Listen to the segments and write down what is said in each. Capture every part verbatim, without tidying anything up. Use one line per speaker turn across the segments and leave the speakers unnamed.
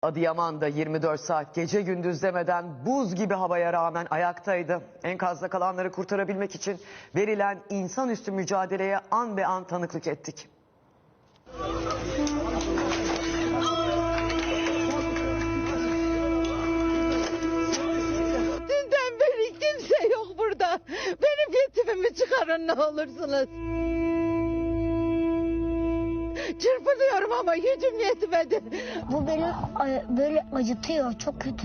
Adıyaman'da yirmi dört saat gece gündüz demeden buz gibi havaya rağmen ayaktaydı. Enkazda kalanları kurtarabilmek için verilen insanüstü mücadeleye an be an tanıklık ettik.
Dünden beri kimse yok burada. Benim yetimimi çıkarın ne olursunuz. Çırpınıyorum ama gücüm yetmedi.
Bu beni a- böyle acıtıyor, çok kötü.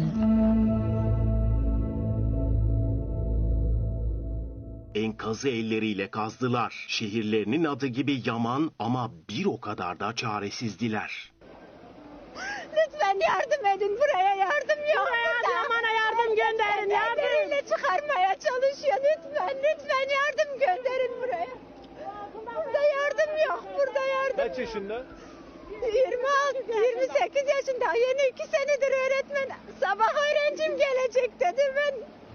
Enkazı elleriyle kazdılar. Şehirlerinin adı gibi yaman ama bir o kadar da çaresizdiler.
Lütfen yardım edin, buraya yardım yok. Adıyaman'a yardım gönderin. Elleriyle çıkarmaya çalışıyor. Lütfen, lütfen yardım gönderin buraya. Burada yardım yok, burada yardım.
Kaç yaşında?
yirmi altı, yirmi sekiz yaşında. Yeni iki senedir öğretmen. Sabah öğrencim gelecek dedi ben.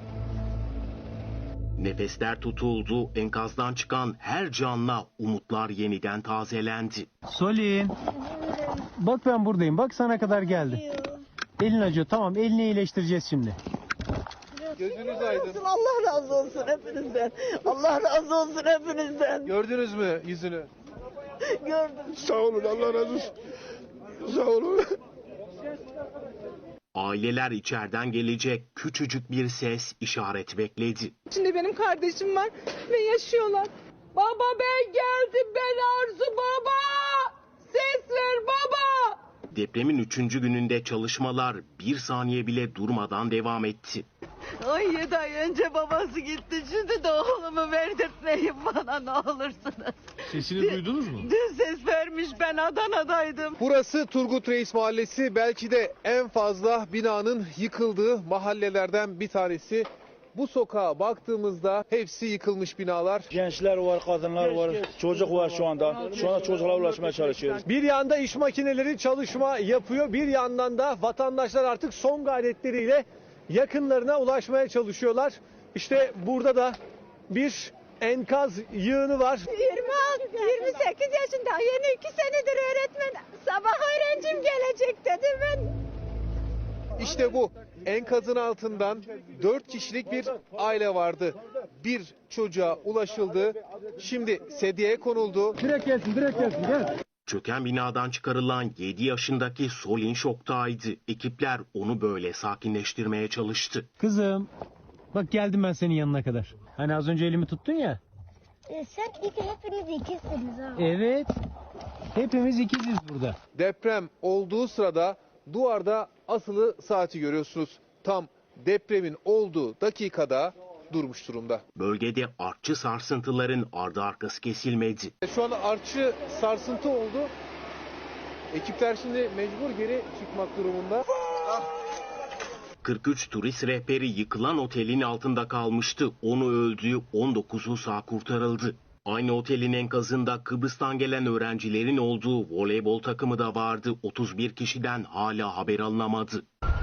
Nefesler tutuldu. Enkazdan çıkan her canla umutlar yeniden tazelendi.
Solin. Bak ben buradayım. Bak sana kadar geldi. Elin acıyor. Tamam, elini iyileştireceğiz şimdi.
Gözünüz aydın.
Allah razı olsun hepinizden. Allah razı olsun hepinizden.
Gördünüz mü yüzünü?
Gördüm.
Sağ olun, Allah razı olsun. Sağ olun.
Aileler içeriden gelecek küçücük bir ses, işaret bekledi.
İçinde benim kardeşim var ve yaşıyorlar. Baba ben geldim, ben Arzu baba. Ses ver baba.
Depremin üçüncü gününde çalışmalar bir saniye bile durmadan devam etti.
Ay yedi ay önce babası gitti. Şimdi de oğlumu verdirtmeyin bana ne olursunuz.
Sesini duydunuz mu?
Dün ses vermiş, ben Adana'daydım.
Burası Turgut Reis Mahallesi. Belki de en fazla binanın yıkıldığı mahallelerden bir tanesi. Bu sokağa baktığımızda hepsi yıkılmış binalar.
Gençler var, kadınlar var, çocuk var şu anda. Şu anda çocuklara ulaşmaya çalışıyoruz.
Bir yanda iş makineleri çalışma yapıyor. Bir yandan da vatandaşlar artık son gayretleriyle yakınlarına ulaşmaya çalışıyorlar. İşte burada da bir enkaz yığını var.
yirmi altı, yirmi sekiz yaşında, yeni iki senedir öğretmen. Sabah öğrencim gelecek dedi ben.
İşte bu enkazın altından dört kişilik bir aile vardı. Bir çocuğa ulaşıldı. Şimdi sedyeye konuldu.
Direkt gelsin, direkt gelsin. Gel.
Çöken binadan çıkarılan yedi yaşındaki Solin şoktaydı. Ekipler onu böyle sakinleştirmeye çalıştı.
Kızım. Bak geldim ben senin yanına kadar. Hani az önce elimi tuttun ya.
E, sen iki, hepiniz ikisiniz ha.
Evet. Hepimiz ikiziz burada.
Deprem olduğu sırada duvarda asılı saati görüyorsunuz. Tam depremin olduğu dakikada durmuş durumda.
Bölgede artçı sarsıntıların ardı arkası kesilmedi.
Şu anda artçı sarsıntı oldu. Ekipler şimdi mecbur geri çıkmak durumunda.
kırk üç turist rehberi yıkılan otelin altında kalmıştı. Onu öldü, on dokuzu sağ kurtarıldı. Aynı otelin enkazında Kıbrıs'tan gelen öğrencilerin olduğu voleybol takımı da vardı. otuz bir kişiden hala haber alınamadı.